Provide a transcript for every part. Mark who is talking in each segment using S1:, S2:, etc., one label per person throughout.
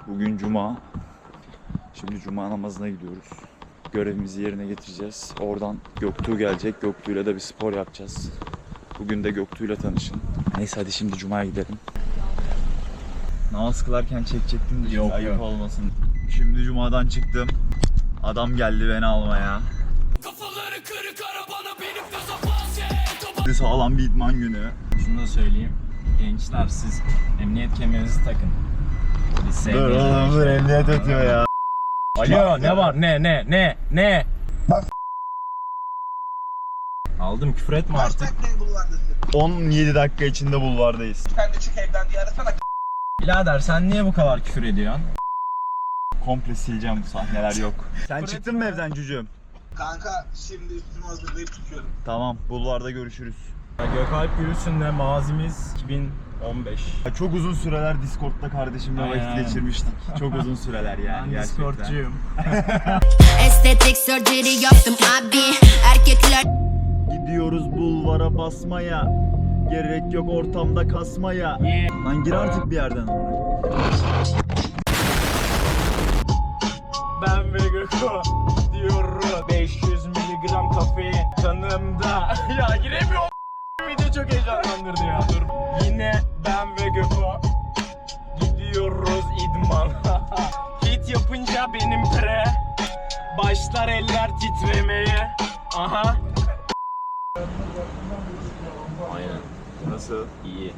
S1: Bugün Cuma. Şimdi Cuma namazına gidiyoruz. Görevimizi yerine getireceğiz. Oradan Göktuğ gelecek. Göktuğ'yla da bir spor yapacağız. Bugün de Göktuğ'yla tanışın. Neyse hadi şimdi Cuma'ya gidelim. Namaz kılarken çekecektim de
S2: Yok,
S1: ayıp
S2: yok.
S1: olmasın. Şimdi Cuma'dan çıktım. Adam geldi beni almaya.
S3: Kafaları kırık arabana benim gaza bas.
S1: Sağlam bir idman günü.
S2: Şunu da söyleyeyim. Gençler siz emniyet kemerinizi takın. Biz
S1: Dur oğlum dur emniyet ötüyor ya.
S2: Alo ne var ne? Aldım küfür etme
S4: Kaç
S2: artık.
S4: dakikaya bulvardasın?
S1: 17 dakika içinde bulvardayız.
S4: Sen de çık evden diye arasana.
S2: Birader sen niye bu kadar küfür ediyorsun?
S1: Komple sileceğim, sahneler yok. Sen çıktın mı evden cücüğüm?
S4: Kanka şimdi üstümü hazırlayıp çıkıyorum.
S1: Tamam, bulvarda görüşürüz.
S2: Gökalp Gülsün'le mazimiz 2015.
S1: Ya çok uzun süreler Discord'da kardeşimle vakit
S2: Aynen.
S1: geçirmiştik. Çok uzun süreler yani
S2: Ben
S1: gerçekten.
S2: Discord'cuyum.
S5: Estetik surgery yaptım abi. Erkekler
S1: Gidiyoruz bulvara basmaya. Gerek yok ortamda kasmaya. Lan gir artık bir yerden oraya.
S2: Ben ve Göko diyorum 500 miligram kafein kanımda. Ya giremiyorum. Video çok heyecanlandırdı ya. Dur. Yine ben ve Göko gidiyoruz idmana. Hit yapınca benim pre başlar eller titremeye. Aha. Aynen.
S1: Nasıl?
S2: İyi.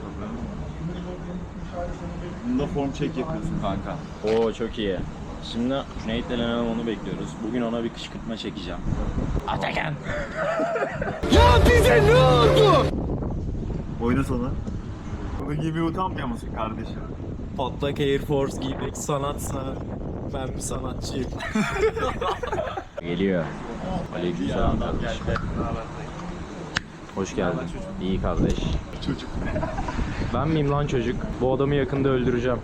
S1: Bunda form check yapıyorsun kanka.
S2: Oo çok iyi. Şimdi Cüneyt denen onu bekliyoruz. Bugün ona bir kışkırtma çekeceğim. Atakan.
S1: Oyna sana. Bunu giymeyi utanmıyor musun kardeşim?
S2: Patlak Air Force giymek sanatsa ben bir sanatçıyım. Geliyor. Aleykümselam kardeş. Hoş geldin. İyi kardeş.
S1: Çocuk.
S2: Ben miyim lan çocuk? Bu adamı yakında öldüreceğim.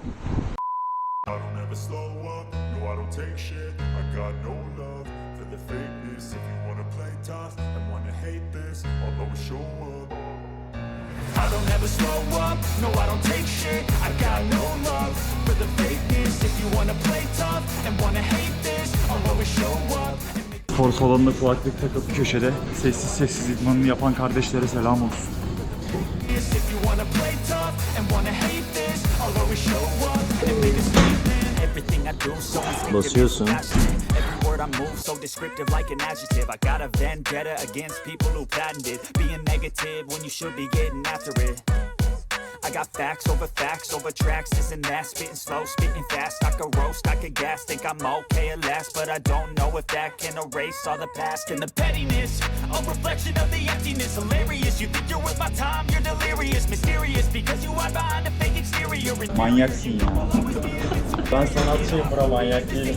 S6: I don't ever slow up, no I don't take shit. I got no love for the fakeness. If you wanna play tough and wanna hate this, I'll always show up.
S3: I don't ever slow up, no I don't take shit. I got no love for the fakeness. If you wanna play tough and wanna hate this, I'll always show up.
S1: Spor salonunda kulaklık takıp köşede sessiz sessiz idmanını yapan kardeşlere selam olsun.
S3: If you wanna play tough and wanna hate this, I'll always show up and make a statement. Everything I do so instinctive.
S2: Basıyorsun.
S3: Every word I move so descriptive like an adjective. I got a vendetta against people who patented being negative when you should be getting after it. I got facts over tracks, isn't that spitting slow, spitting fast, I could roast, I could gas, think I'm okay at last, but I don't know if that can erase all the past and the pettiness, a reflection of the emptiness, hilarious, you think you're worth my time, you're delirious, mysterious, because you hide behind a fake exterior.
S1: Manyaksın ya.
S2: Ben sanatçıyım bro, manyak değilim.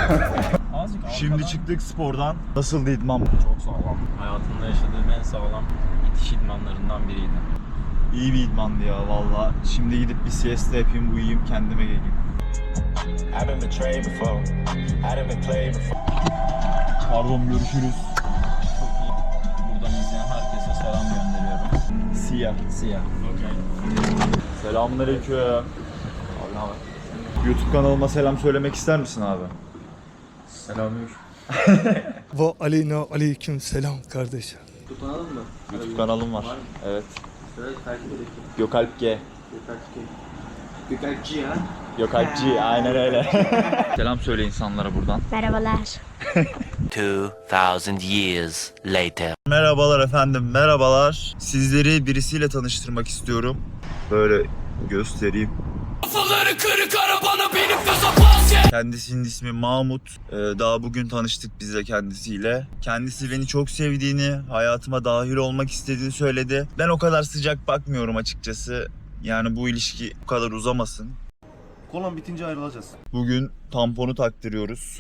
S1: Şimdi çıktık spordan. Nasıldı idman?
S2: Çok sağlam. Hayatımda yaşadığım en sağlam itiş idmanlarından biriydi.
S1: İyi bir idmandı ya valla. Şimdi gidip bir siesta yapayım, uyuyayım, kendime geleyim.
S6: I've been betrayed before, I been played before.
S1: Pardon, görüşürüz.
S2: Çok iyi. Buradan izleyen herkese selam gönderiyorum.
S1: Siyah.
S2: Siyah.
S1: Selamünaleyküm. Abi ne haber? YouTube kanalıma selam söylemek ister misin abi?
S2: Selamünaleyküm.
S7: Ve aleyna aleyküm selam kardeşim.
S1: YouTube kanalım var. Evet. Gökalp G.
S4: Gökalpçi ya.
S1: Gökalpçi, aynen öyle. Selam söyle insanlara buradan.
S5: merhabalar.
S8: 2,000 years later.
S1: Merhabalar efendim, merhabalar. Sizleri birisiyle tanıştırmak istiyorum. Böyle göstereyim.
S3: Kafaları kırık arabana benim gaza bas.
S1: Kendisinin ismi Mahmut. Daha bugün tanıştık biz de kendisiyle. Kendisi beni çok sevdiğini, hayatıma dahil olmak istediğini söyledi. Ben o kadar sıcak bakmıyorum açıkçası. Yani bu ilişki bu kadar uzamasın.
S7: Kolan bitince ayrılacağız.
S1: Bugün tamponu taktırıyoruz.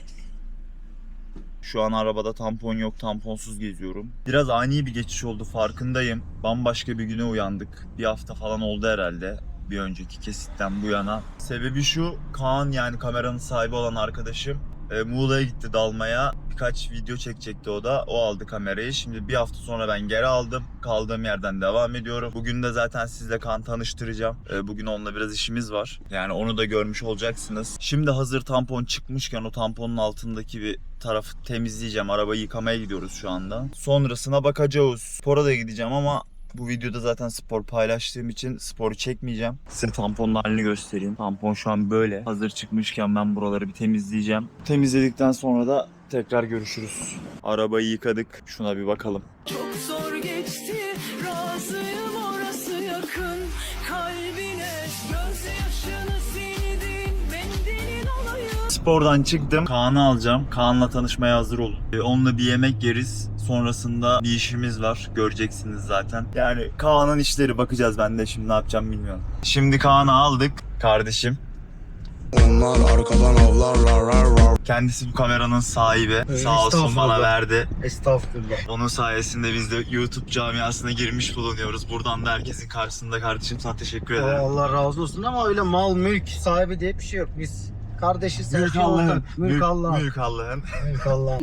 S1: Şu an arabada tampon yok, tamponsuz geziyorum. Biraz ani bir geçiş oldu, farkındayım. Bambaşka bir güne uyandık. Bir hafta falan oldu herhalde. Bir önceki kesitten bu yana. Sebebi şu, Kaan yani kameranın sahibi olan arkadaşım Muğla'ya gitti dalmaya. birkaç video çekecekti o da. O aldı kamerayı. Şimdi bir hafta sonra ben geri aldım. Kaldığım yerden devam ediyorum. Bugün de zaten sizle Kaan tanıştıracağım. Bugün onunla biraz işimiz var. Yani onu da görmüş olacaksınız. Şimdi hazır tampon çıkmışken o tamponun altındaki bir tarafı temizleyeceğim. Arabayı yıkamaya gidiyoruz şu anda. Sonrasına bakacağız. Spora da gideceğim ama bu videoda zaten spor paylaştığım için sporu çekmeyeceğim. Size tamponun halini göstereyim. Tampon şu an böyle. Hazır çıkmışken ben buraları bir temizleyeceğim. Temizledikten sonra da tekrar görüşürüz. Arabayı yıkadık. Şuna bir bakalım.
S9: Çok zor geçti, razıyım orası yakın kalbine, gözyaşını sildin, mendilin olayım.
S1: Spordan çıktım. Kaan'ı alacağım. Kaan'la tanışmaya hazır olun. Onunla bir yemek yeriz. Sonrasında bir işimiz var. Göreceksiniz zaten. Yani Kaan'ın işleri bakacağız. Ben de şimdi ne yapacağım bilmiyorum. Şimdi Kaan'ı aldık. Kardeşim.
S7: Onlar arkadan avlarlar.
S1: Kendisi bu kameranın sahibi. Sağ olsun bana verdi.
S7: Estağfurullah.
S1: Onun sayesinde biz de YouTube camiasına girmiş bulunuyoruz. Buradan da herkesin karşısında kardeşim sana teşekkür ederim.
S7: Allah razı olsun ama öyle mal mülk sahibi diye bir şey yok. Biz kardeşiz.
S1: Mülk Allah'ın. Mülk Allah'ın. Mülk Allah'ın.
S7: Mülk Allah'ın.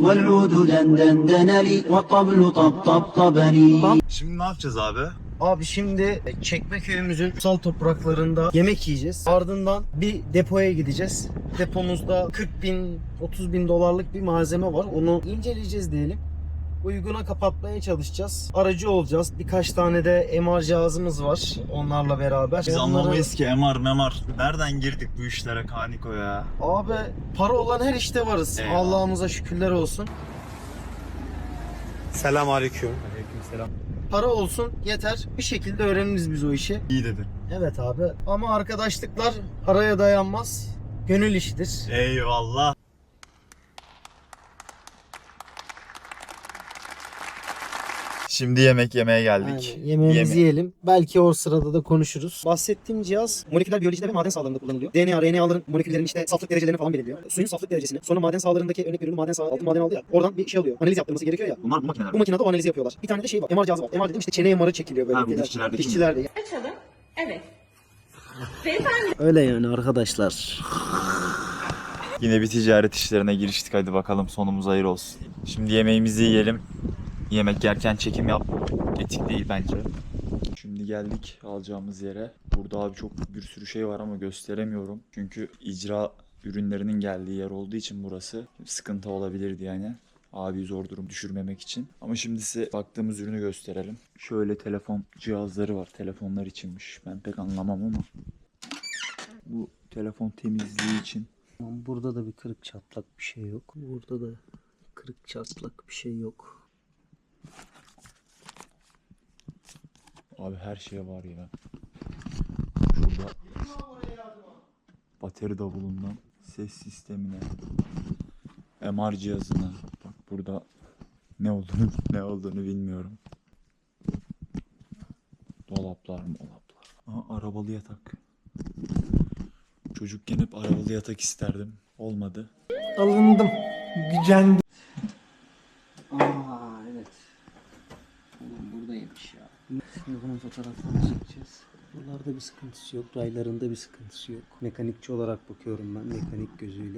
S1: Şimdi ne yapacağız abi?
S7: Abi şimdi Çekmeköy'ümüzün kutsal topraklarında yemek yiyeceğiz. Ardından bir depoya gideceğiz. Depomuzda 40 bin, 30 bin dolarlık bir malzeme var. Onu inceleyeceğiz diyelim. Uyguna kapatmaya çalışacağız. Aracı olacağız. Birkaç tane de MR cihazımız var onlarla beraber.
S1: Biz
S7: Onları-
S1: anlamayız ki MR. Nereden girdik bu işlere Kaniko ya?
S7: Abi para olan her işte varız.
S1: Eyvallah.
S7: Allah'ımıza şükürler olsun. Selam aleyküm. Para olsun yeter. Bir şekilde öğreniriz biz o işi.
S1: İyi dedin.
S7: Evet abi. Ama arkadaşlıklar paraya dayanmaz. Gönül işidir.
S1: Eyvallah. Şimdi yemek yemeye geldik.
S7: Aynen. Yemeğimizi
S1: Yeme-
S7: yiyelim. Belki o sırada da konuşuruz. Bahsettiğim cihaz moleküler biyolojide ve maden sahalarında kullanılıyor. DNA, RNA'ların moleküllerin işte saflık derecelerini falan belirliyor. Suyun saflık derecesini. Sonra maden sahalarındaki örnek veriyorum maden saha, altın maden aldı ya. Oradan bir şey alıyor. Analiz yaptırması gerekiyor ya.
S1: Bunlar bu makineler.
S7: Bu makinede o analizi yapıyorlar. Bir tane de şey var. MR cihazı var. MR dedim işte çene MR'ı çekiliyor böyle.
S1: Ha, bu dişçilerdeki mi?
S7: Dişçilerde.
S9: Açalım. Evet.
S7: Öyle yani arkadaşlar.
S1: Yine bir ticaret işlerine giriştik. Hadi bakalım sonumuz hayır olsun. Şimdi yemeğimizi yiyelim. Yemek yerken çekim yap. Etik değil bence. Şimdi geldik alacağımız yere. Burada abi çok bir sürü şey var ama gösteremiyorum. Çünkü icra ürünlerinin geldiği yer olduğu için burası sıkıntı olabilirdi yani. Abi zor durum düşürmemek için. Ama şimdi size baktığımız ürünü gösterelim. Şöyle telefon cihazları var. Telefonlar içinmiş. Ben pek anlamam ama. Bu telefon temizliği için.
S7: Burada da bir kırık çatlak bir şey yok. Burada da kırık çatlak bir şey yok.
S1: Abi her şey var ya. Şurada bateri davulundan ses sistemine, MR cihazına. Bak burada ne olduğunu bilmiyorum. Dolaplar. Aha, arabalı yatak. Çocukken hep arabalı yatak isterdim. Olmadı.
S7: Alındım. Gücendim. Evet. Oğlum buradaymış ya. Şimdi bunun fotoğraflarını çekeceğiz. Buralarda bir sıkıntısı yok. Raylarında bir sıkıntısı yok. Mekanikçi olarak bakıyorum ben. Mekanik gözüyle.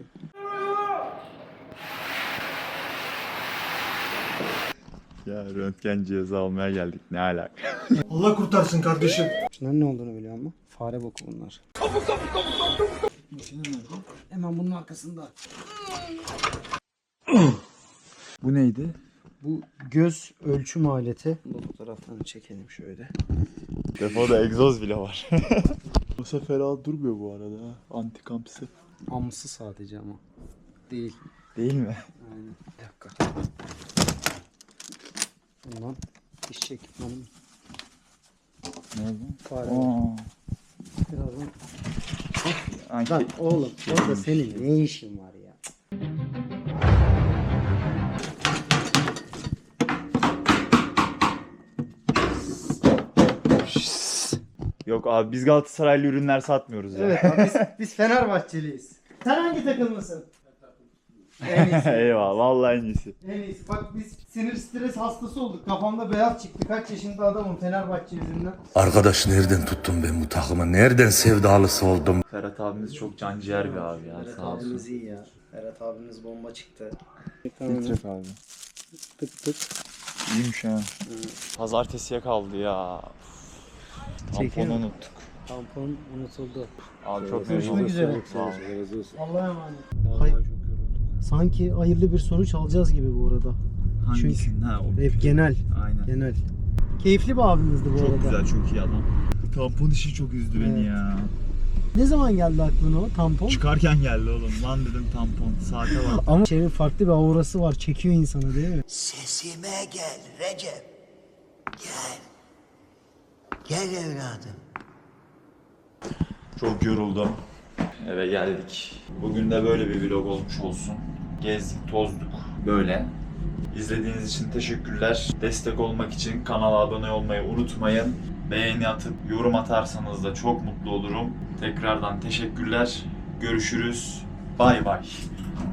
S1: Ya röntgen cihazı almaya geldik. Ne alaka?
S7: Allah kurtarsın kardeşim. Şunların ne olduğunu biliyor musun? Fare boku bunlar. Hemen bunun arkasında.
S1: Bu neydi?
S7: Bu göz ölçüm aleti. Bu fotoğraflarını çekelim şöyle.
S1: Telefonda egzoz bile var. Bu sefer durmuyor bu arada. Antikampsi.
S7: Amsı sadece ama. Değil.
S1: Değil mi?
S7: Aynen. Bir dakika. Bundan iş ekipmanım.
S1: Ne oldu?
S7: Fare.
S1: Aa.
S7: Birazdan.
S1: Anki-
S7: Lan oğlum orada senin ne işin var ya?
S1: Yok abi biz Galatasaraylı ürünler satmıyoruz ya.
S7: Evet abi biz Fenerbahçeliyiz. Sen hangi takımlısın? En iyisi.
S1: Eyvallah vallahi en iyisi.
S7: En iyisi. Bak biz sinir stres hastası olduk. Kafamda beyaz çıktı. Kaç yaşında adamım Fenerbahçe yüzünden.
S10: Arkadaş nereden tuttum ben bu takımı? Nereden sevdalısı oldum?
S1: Ferhat abimiz çok canciğer bir abi ya.
S7: Ferhat
S1: Sağ olsun.
S7: abimiz iyi ya. Ferhat abimiz bomba çıktı.
S1: Filtre abi.
S7: Tık tık.
S1: İyiymiş ha. Pazartesiye kaldı ya.
S7: Çekiyor
S1: Tamponu
S7: mu?
S1: unuttuk.
S7: Tampon unutuldu.
S1: Abi çok
S7: Görüşmek
S1: memnun
S7: üzere.
S1: oldum. Sağ ol.
S7: Allah'a emanet.
S1: Vallahi çok yoruldum.
S7: Sanki hayırlı bir sonuç alacağız gibi bu arada.
S1: Hangisinden? Ha, o
S7: Hep genel.
S1: Aynen.
S7: Genel. Keyifli bir abimizdi bu
S1: Çok
S7: arada.
S1: güzel, çok iyi adam. Bu tampon işi çok üzdü beni
S7: Evet.
S1: ya.
S7: Ne zaman geldi aklına o tampon?
S1: Çıkarken geldi oğlum. Lan dedim tampon. Saate bak.
S7: Ama şeyin farklı bir aurası var. Çekiyor insanı değil mi?
S11: Sesime gel Recep. Gel. Gel evladım.
S1: Çok yoruldum. Eve geldik. Bugün de böyle bir vlog olmuş olsun. Gezdik, tozduk. Böyle. İzlediğiniz için teşekkürler. Destek olmak için kanala abone olmayı unutmayın. Beğeni atıp yorum atarsanız da çok mutlu olurum. Tekrardan teşekkürler. Görüşürüz. Bay bay.